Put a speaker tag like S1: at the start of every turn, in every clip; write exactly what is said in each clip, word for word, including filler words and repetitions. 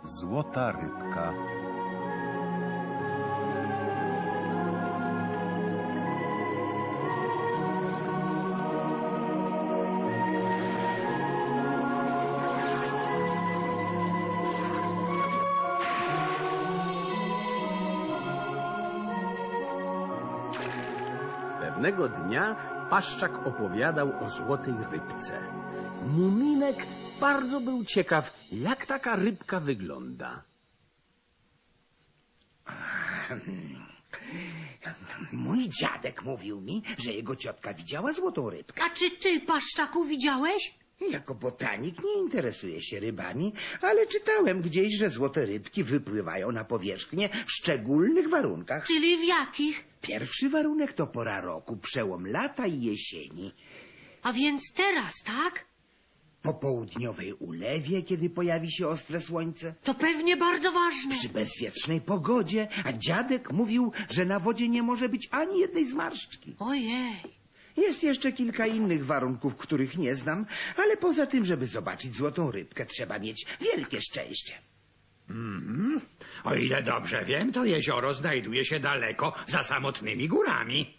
S1: Złota rybka.
S2: Pewnego dnia Paszczak opowiadał o złotej rybce. Muminek bardzo był ciekaw, jak taka rybka wygląda.
S3: Mój dziadek mówił mi, że jego ciotka widziała złotą rybkę.
S4: A czy ty, Paszczaku, widziałeś?
S3: Jako botanik nie interesuję się rybami, ale czytałem gdzieś, że złote rybki wypływają na powierzchnię w szczególnych warunkach.
S4: Czyli w jakich?
S3: Pierwszy warunek to pora roku, przełom lata i jesieni.
S4: A więc teraz, tak?
S3: Po południowej ulewie, kiedy pojawi się ostre słońce.
S4: To pewnie bardzo ważne.
S3: Przy bezwiecznej pogodzie, a dziadek mówił, że na wodzie nie może być ani jednej zmarszczki.
S4: Ojej.
S3: Jest jeszcze kilka innych warunków, których nie znam, ale poza tym, żeby zobaczyć złotą rybkę, trzeba mieć wielkie szczęście.
S5: Mm-hmm. O ile dobrze wiem, to jezioro znajduje się daleko za samotnymi górami.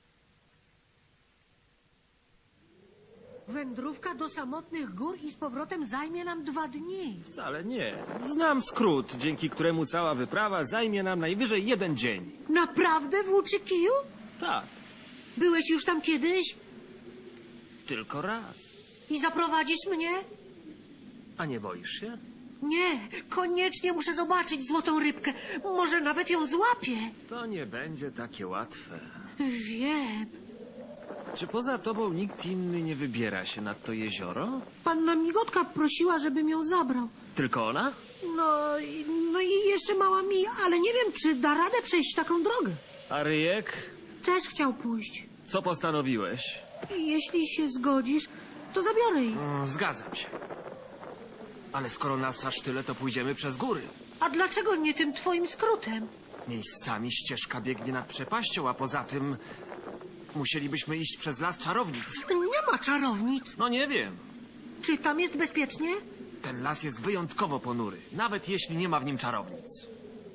S4: Wędrówka do samotnych gór i z powrotem zajmie nam dwa dni.
S6: Wcale nie. Znam skrót, dzięki któremu cała wyprawa zajmie nam najwyżej jeden dzień.
S4: Naprawdę, włóczy kiju?
S6: Tak,
S4: Byłeś już tam kiedyś?
S6: tylko raz.
S4: I zaprowadzisz mnie?
S6: A nie boisz się?
S4: Nie, koniecznie muszę zobaczyć złotą rybkę. Może nawet ją złapię.
S6: To nie będzie takie łatwe.
S4: Wiem.
S6: Czy poza tobą nikt inny nie wybiera się nad to jezioro?
S4: Panna Migotka prosiła, żebym ją zabrał.
S6: Tylko ona?
S4: No, i- no i jeszcze mała Mija, ale nie wiem, czy da radę przejść taką drogę.
S6: A Ryjek?
S4: Też chciał pójść.
S6: Co postanowiłeś?
S4: Jeśli się zgodzisz, to zabiorę jej.
S6: Mm, zgadzam się. Ale skoro nas aż tyle, to pójdziemy przez góry.
S4: A dlaczego nie tym twoim skrótem?
S6: Miejscami ścieżka biegnie nad przepaścią, a poza tym musielibyśmy iść przez las czarownic.
S4: Nie ma czarownic.
S6: No nie wiem.
S4: Czy tam jest bezpiecznie?
S6: Ten las jest wyjątkowo ponury, nawet jeśli nie ma w nim czarownic.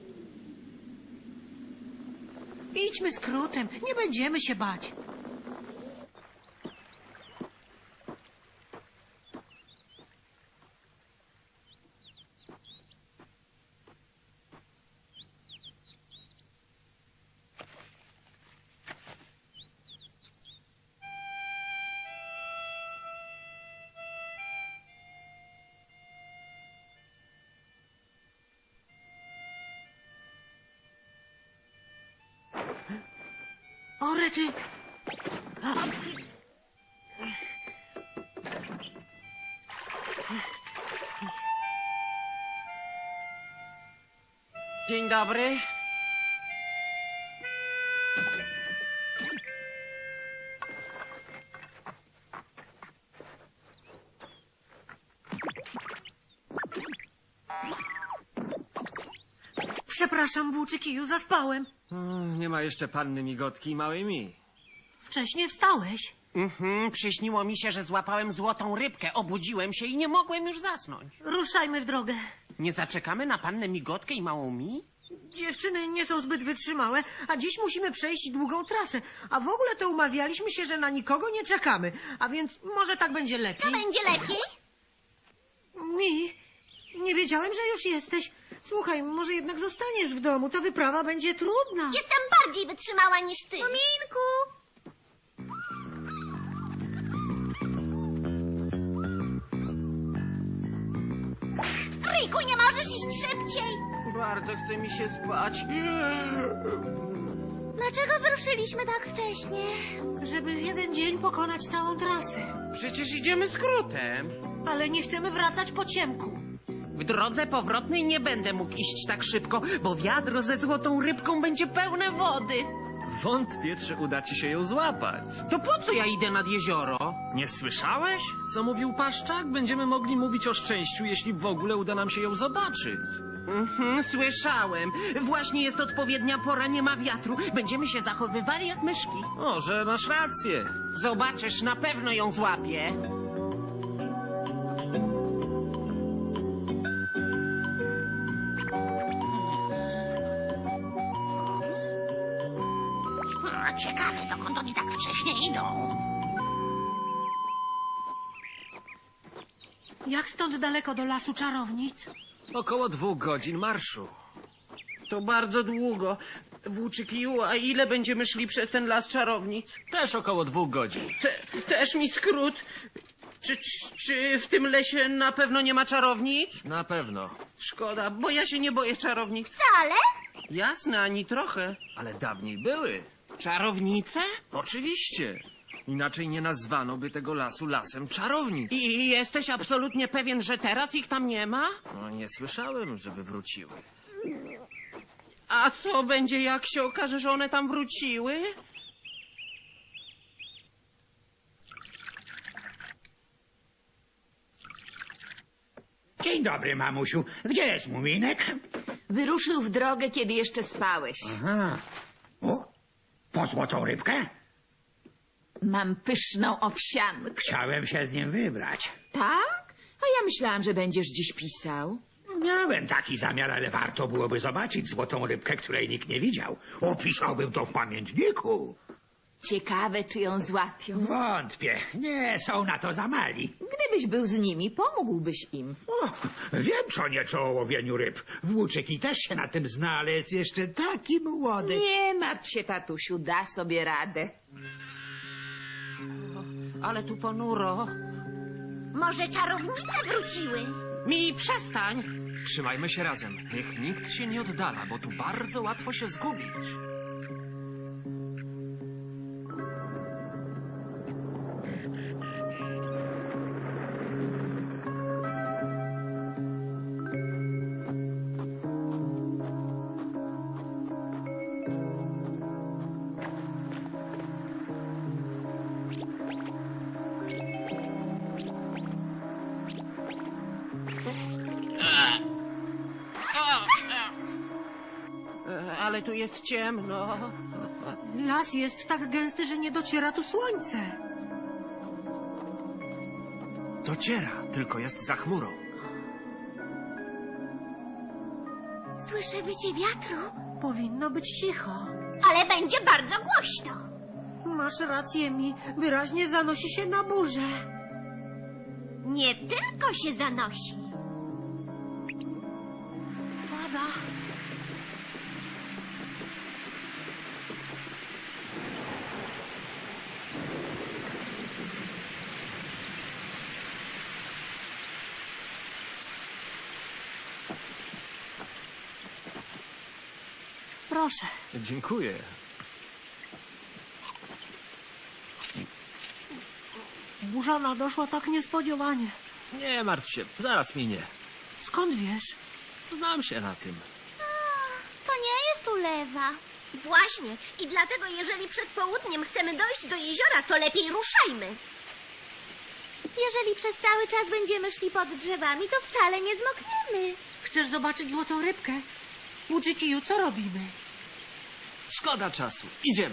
S4: Idźmy skrótem, nie będziemy się bać. O, rety!
S7: Dzień dobry.
S4: Przepraszam, włóczy kiju, zaspałem.
S6: Mm, nie ma jeszcze panny Migotki i małej Mi.
S4: Wcześnie wstałeś.
S7: Mhm, przyśniło mi się, że złapałem złotą rybkę. Obudziłem się i nie mogłem już zasnąć.
S4: Ruszajmy w drogę.
S7: Nie zaczekamy na pannę Migotkę i małą Mi?
S4: Dziewczyny nie są zbyt wytrzymałe, a dziś musimy przejść długą trasę. A w ogóle to umawialiśmy się, że na nikogo nie czekamy. A więc może tak będzie lepiej.
S8: Będzie lepiej?
S4: Mi, nie wiedziałem, że już jesteś. Słuchaj, może jednak zostaniesz w domu. Ta wyprawa będzie trudna.
S8: Jestem bardziej wytrzymała niż ty. Muminku! Ryjku, nie możesz iść szybciej?
S7: Bardzo chce mi się spać.
S8: Dlaczego wyruszyliśmy tak wcześnie?
S4: Żeby w jeden dzień pokonać całą trasę.
S7: Przecież idziemy skrótem.
S4: Ale nie chcemy wracać po ciemku.
S7: W drodze powrotnej nie będę mógł iść tak szybko, bo wiadro ze złotą rybką będzie pełne wody.
S6: Wątpię, czy uda ci się ją złapać.
S7: To po co ja idę nad jezioro?
S6: Nie słyszałeś, co mówił Paszczak? Będziemy mogli mówić o szczęściu, jeśli w ogóle uda nam się ją zobaczyć.
S7: Mhm, słyszałem. Właśnie jest odpowiednia pora, nie ma wiatru. Będziemy się zachowywali jak myszki.
S6: Może masz rację.
S7: Zobaczysz, na pewno ją złapię.
S8: Ciekawe, dokąd oni tak wcześnie idą.
S4: Jak stąd daleko do lasu czarownic?
S6: Około dwóch godzin marszu.
S7: To bardzo długo. Włóczykiju, a ile będziemy szli przez ten las czarownic?
S6: Też około dwóch godzin.
S7: Te, też mi skrót. Czy, czy, czy w tym lesie na pewno nie ma czarownic?
S6: Na pewno.
S7: Szkoda, bo ja się nie boję czarownic.
S8: Wcale?
S7: Jasne, ani trochę.
S6: Ale dawniej były.
S7: Czarownice?
S6: Oczywiście. Inaczej nie nazwano by tego lasu lasem czarownic.
S7: I jesteś absolutnie pewien, że teraz ich tam nie ma?
S6: No, nie słyszałem, żeby wróciły.
S7: A co będzie, jak się okaże, że one tam wróciły?
S5: Dzień dobry, mamusiu. Gdzie jest Muminek?
S1: Wyruszył w drogę, kiedy jeszcze spałeś.
S5: Aha. O, po złotą rybkę?
S1: Mam pyszną owsiankę.
S5: Chciałem się z nim wybrać.
S1: Tak? A ja myślałam, że będziesz dziś pisał.
S5: Miałem taki zamiar, ale warto byłoby zobaczyć złotą rybkę, której nikt nie widział. Opisałbym to w pamiętniku.
S1: Ciekawe, czy ją złapią.
S5: Wątpię. Nie, są na to za mali.
S1: Gdybyś był z nimi, pomógłbyś im.
S5: O, wiem co nieco o łowieniu ryb. Włóczyki też się na tym zna, ale jest jeszcze taki młody.
S1: Nie martw się, tatusiu, da sobie radę.
S7: Ale tu ponuro.
S8: Może czarownice wróciły?
S7: Mi przestań.
S6: Trzymajmy się razem. Niech nikt się nie oddala, bo tu bardzo łatwo się zgubić.
S7: E, Ale tu jest ciemno.
S4: Las jest tak gęsty, że nie dociera tu słońce.
S6: Dociera, tylko jest za chmurą.
S8: Słyszę wycie wiatru,
S4: Powinno być cicho.
S8: ale będzie bardzo głośno.
S4: Masz rację, mi wyraźnie zanosi się na burzę.
S8: Nie tylko się zanosi.
S4: Pada. Proszę.
S6: Dziękuję.
S4: Burza nadeszła tak niespodziewanie.
S6: Nie martw się, zaraz minie.
S4: Skąd wiesz?
S6: Znam się na tym.
S8: To nie jest ulewa. Właśnie. I dlatego, jeżeli przed południem chcemy dojść do jeziora, to lepiej ruszajmy. Jeżeli przez cały czas będziemy szli pod drzewami, to wcale nie zmokniemy.
S4: Chcesz zobaczyć złotą rybkę? Łuczykiju, co robimy?
S6: Szkoda czasu. Idziemy.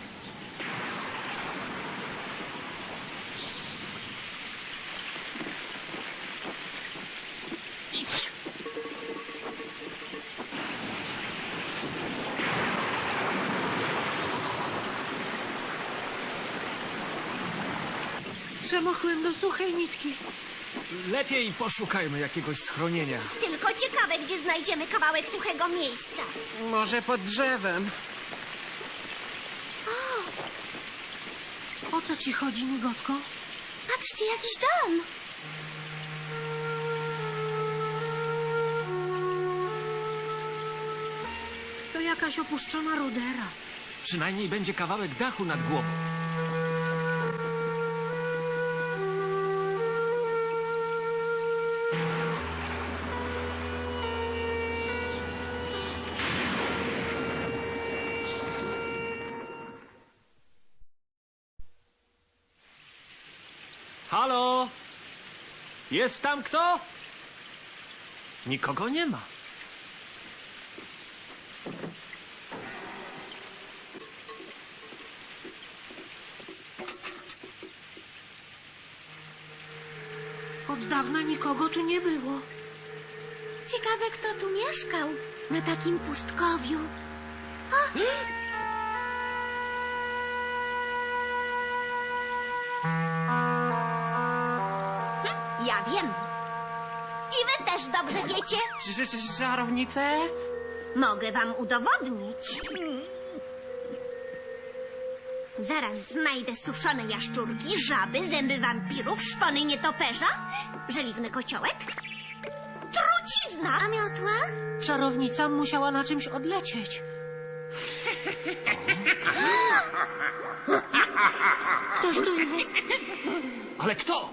S4: Przemokłem do suchej nitki.
S6: Lepiej poszukajmy jakiegoś schronienia.
S8: Tylko ciekawe, gdzie znajdziemy kawałek suchego miejsca.
S7: Może pod drzewem.
S4: O co ci chodzi, migotko?
S8: Patrzcie, jakiś dom.
S4: To jakaś opuszczona rudera.
S6: Przynajmniej będzie kawałek dachu nad głową. Halo? Jest tam kto? Nikogo nie ma.
S4: Od dawna nikogo tu nie było.
S8: Ciekawe, kto tu mieszkał na takim pustkowiu. O! Ja wiem. I wy też dobrze wiecie.
S7: Czy- czy- czy- Czarownice?
S8: Mogę wam udowodnić. Zaraz znajdę suszone jaszczurki, żaby, zęby wampirów, szpony nietoperza, żeliwny kociołek, trucizna. A miotła?
S4: Czarownica musiała na czymś odlecieć. Ktoś tu jest.
S6: Ale kto?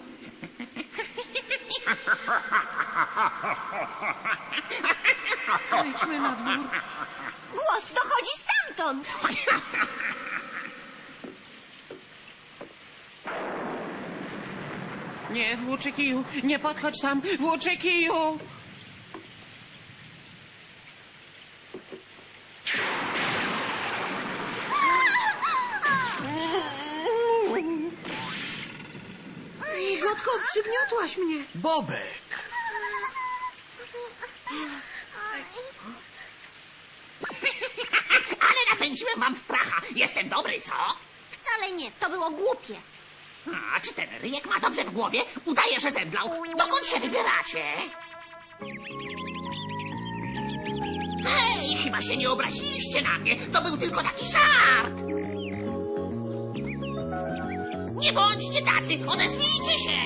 S4: Wejdźmy na dwór.
S8: Głos dochodzi stamtąd.
S7: Nie, włóczykiju, nie podchodź tam, włóczykiju!
S4: Migotko, przygniotłaś mnie.
S6: Bobek!
S9: Ale napędziłem wam stracha. Jestem dobry, co?
S8: Wcale nie, to było głupie.
S9: A czy ten ryjek ma dobrze w głowie? Udaje, że zemdlał. Dokąd się wybieracie? Hej, chyba się nie obraziliście na mnie. To był tylko taki żart. Nie bądźcie tacy, odezwijcie się.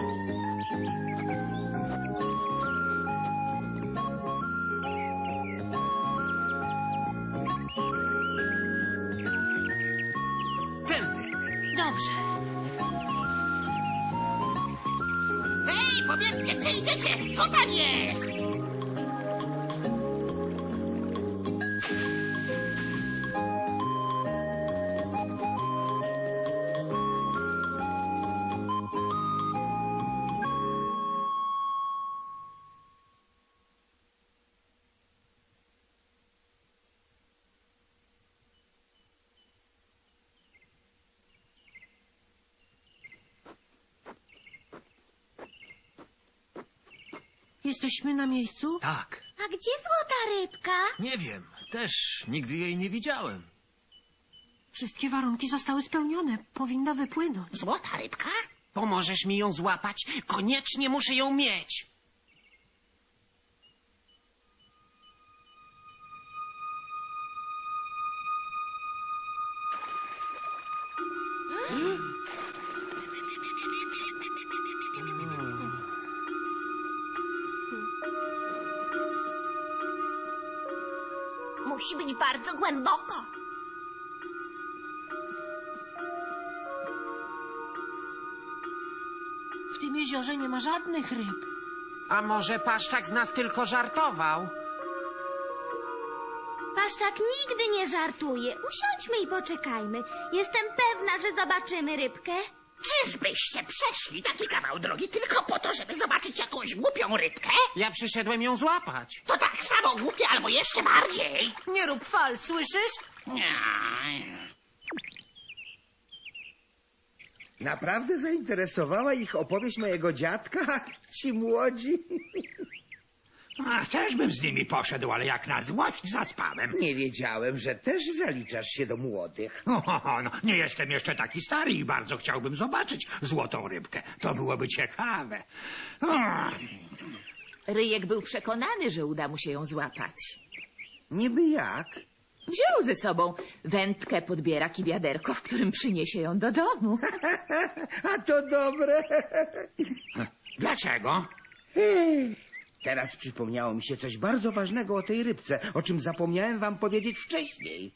S6: Tędy!
S4: Dobrze.
S9: Hej, powiedzcie, gdzie idziecie? Co tam jest?
S4: Jesteśmy na miejscu?
S6: Tak.
S8: A gdzie złota rybka?
S6: Nie wiem. Też nigdy jej nie widziałem.
S4: Wszystkie warunki zostały spełnione. Powinna wypłynąć.
S9: Złota rybka?
S7: Pomożesz mi ją złapać? Koniecznie muszę ją mieć.
S8: Musi być bardzo głęboko.
S4: W tym jeziorze nie ma żadnych ryb.
S7: A może Paszczak z nas tylko żartował?
S8: Paszczak nigdy nie żartuje. Usiądźmy i poczekajmy. Jestem pewna, że zobaczymy rybkę.
S9: Czyżbyście przeszli taki kawał drogi tylko po to, żeby zobaczyć jakąś głupią rybkę?
S7: Ja przyszedłem ją złapać.
S9: To tak samo głupie, albo jeszcze bardziej.
S4: Nie rób fal, słyszysz?
S9: Nie.
S3: Naprawdę zainteresowała ich opowieść mojego dziadka? Ci młodzi?
S5: A, też bym z nimi poszedł, ale jak na złość zaspałem.
S3: Nie wiedziałem, że też zaliczasz się do młodych.
S5: O, no, nie jestem jeszcze taki stary i bardzo chciałbym zobaczyć złotą rybkę. To byłoby ciekawe. O,
S1: Ryjek był przekonany, że uda mu się ją złapać.
S3: Niby jak?
S1: Wziął ze sobą wędkę, podbierak i wiaderko, w którym przyniesie ją do domu.
S3: A to dobre.
S5: dlaczego?
S3: Teraz przypomniało mi się coś bardzo ważnego o tej rybce, o czym zapomniałem wam powiedzieć wcześniej.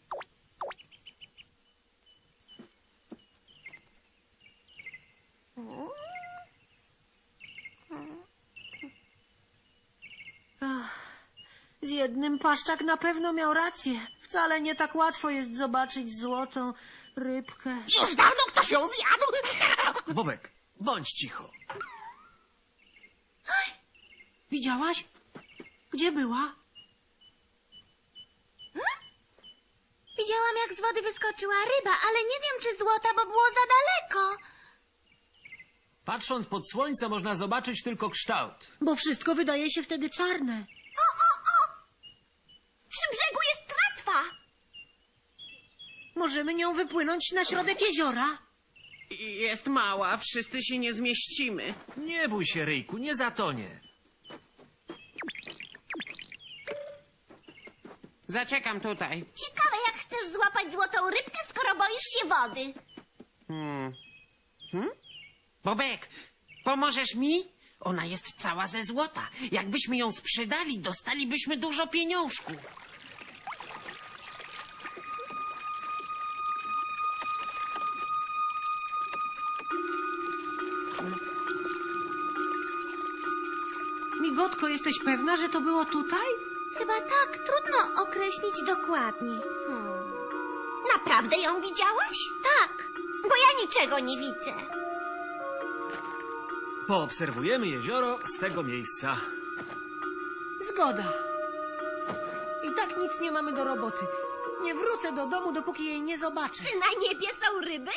S4: Z jednym Paszczak na pewno miał rację. Wcale nie tak łatwo jest zobaczyć złotą rybkę.
S9: Już dawno ktoś ją zjadł.
S6: Bobek, bądź cicho.
S4: Widziałaś? Gdzie była?
S8: Widziałam, jak z wody wyskoczyła ryba, ale nie wiem, czy złota, bo było za daleko.
S6: Patrząc pod słońce można zobaczyć tylko kształt.
S4: Bo wszystko wydaje się wtedy czarne.
S8: O, o, o! Przy brzegu jest tratwa.
S4: Możemy nią wypłynąć na środek jeziora.
S7: Jest mała, wszyscy się nie zmieścimy.
S6: Nie bój się, Ryjku, nie zatonie.
S7: Zaczekam tutaj.
S8: Ciekawe, jak chcesz złapać złotą rybkę, skoro boisz się wody.
S7: Hmm. Hmm? Bobek, pomożesz mi? Ona jest cała ze złota. Jakbyśmy ją sprzedali, dostalibyśmy dużo pieniążków.
S4: Migotko, jesteś pewna, że to było tutaj?
S8: Chyba tak, trudno określić dokładnie. Hmm. Naprawdę ją widziałaś? Tak, bo ja niczego nie widzę.
S6: Poobserwujemy jezioro z tego miejsca.
S4: Zgoda. I tak nic nie mamy do roboty. Nie wrócę do domu, dopóki jej nie zobaczę.
S8: Czy na niebie są ryby?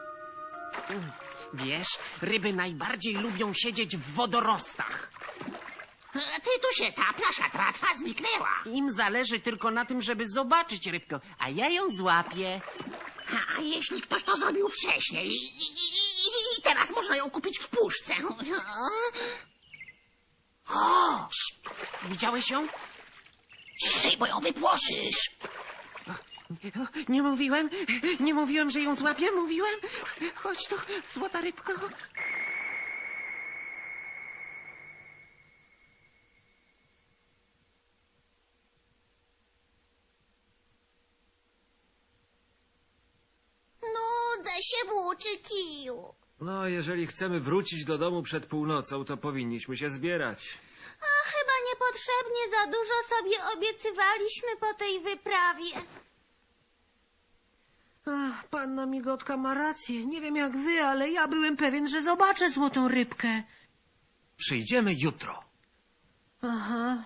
S7: Wiesz, ryby najbardziej lubią siedzieć w wodorostach.
S9: Ty tu się taplasz, a tratwa zniknęła.
S7: Im zależy tylko na tym, żeby zobaczyć rybkę, a ja ją złapię.
S9: A jeśli ktoś to zrobił wcześniej i, i, i, i teraz można ją kupić w puszce. O,
S7: Widziałeś ją?
S9: ciszej, bo ją wypłoszysz.
S7: Nie mówiłem, nie mówiłem, że ją złapię, mówiłem. Chodź tu, złota rybko.
S8: Nudzę się włóczy kiju.
S6: No, jeżeli chcemy wrócić do domu przed północą, to powinniśmy się zbierać.
S8: A chyba niepotrzebnie za dużo sobie obiecywaliśmy po tej wyprawie.
S4: Ach, panna Migotka ma rację. Nie wiem jak wy, ale ja byłem pewien, że zobaczę złotą rybkę.
S6: Przyjdziemy jutro.
S4: Aha.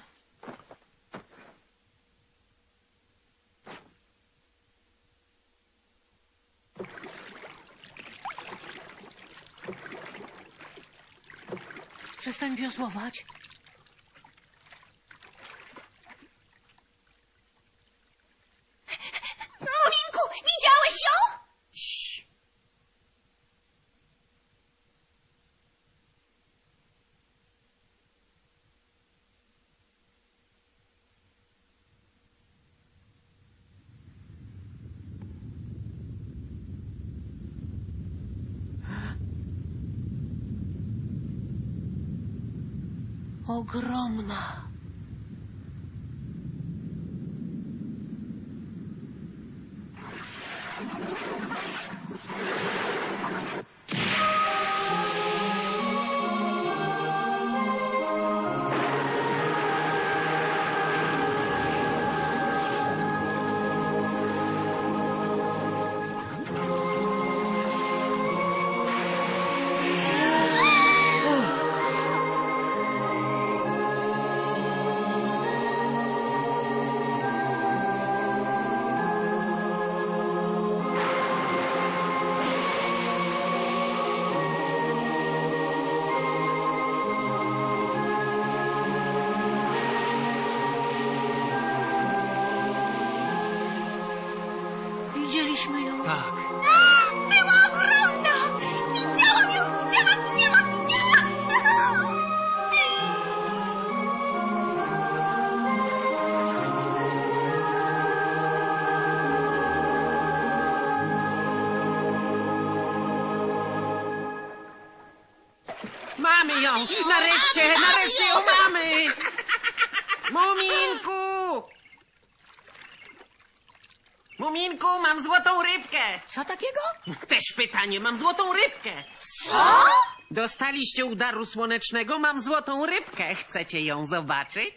S4: Przestań wiosłować.
S8: Muminku, widziałeś ją?
S4: Ogromna. Widzieliśmy ją.
S6: Tak.
S8: Była ogromna! Widziałam ją! Widziałam, widziałam, widziałam!
S7: Mamy ją! Nareszcie, nareszcie ją mamy! Muminku! Muminku, mam złotą rybkę!
S9: Co takiego?
S7: Też pytanie, mam złotą rybkę!
S8: Co?
S7: Dostaliście udaru słonecznego, mam złotą rybkę. Chcecie ją zobaczyć?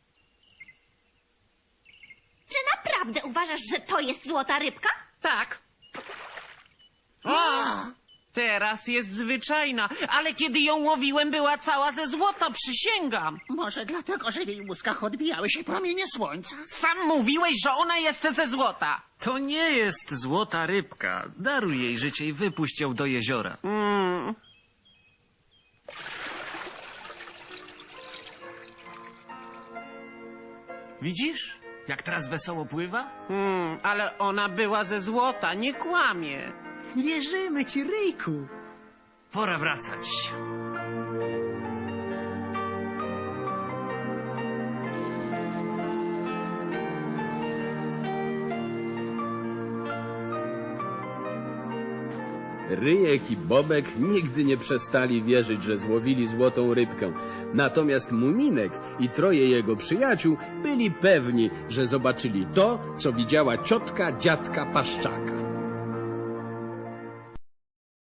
S8: Czy naprawdę uważasz, że to jest złota rybka?
S7: Tak. O! Teraz jest zwyczajna, ale kiedy ją łowiłem, była cała ze złota, przysięgam.
S9: Może dlatego, że w jej łuskach odbijały się promienie słońca.
S7: Sam mówiłeś, że ona jest ze złota.
S6: To nie jest złota rybka. Daruj jej życie i wypuść ją do jeziora.
S7: Mm.
S6: Widzisz, jak teraz wesoło pływa?
S7: Mm, ale ona była ze złota, nie kłamie.
S10: Wierzymy ci, Ryjku.
S6: Pora wracać.
S2: Ryjek i Bobek nigdy nie przestali wierzyć, że złowili złotą rybkę. Natomiast Muminek i troje jego przyjaciół byli pewni, że zobaczyli to, co widziała ciotka dziadka Paszczaka.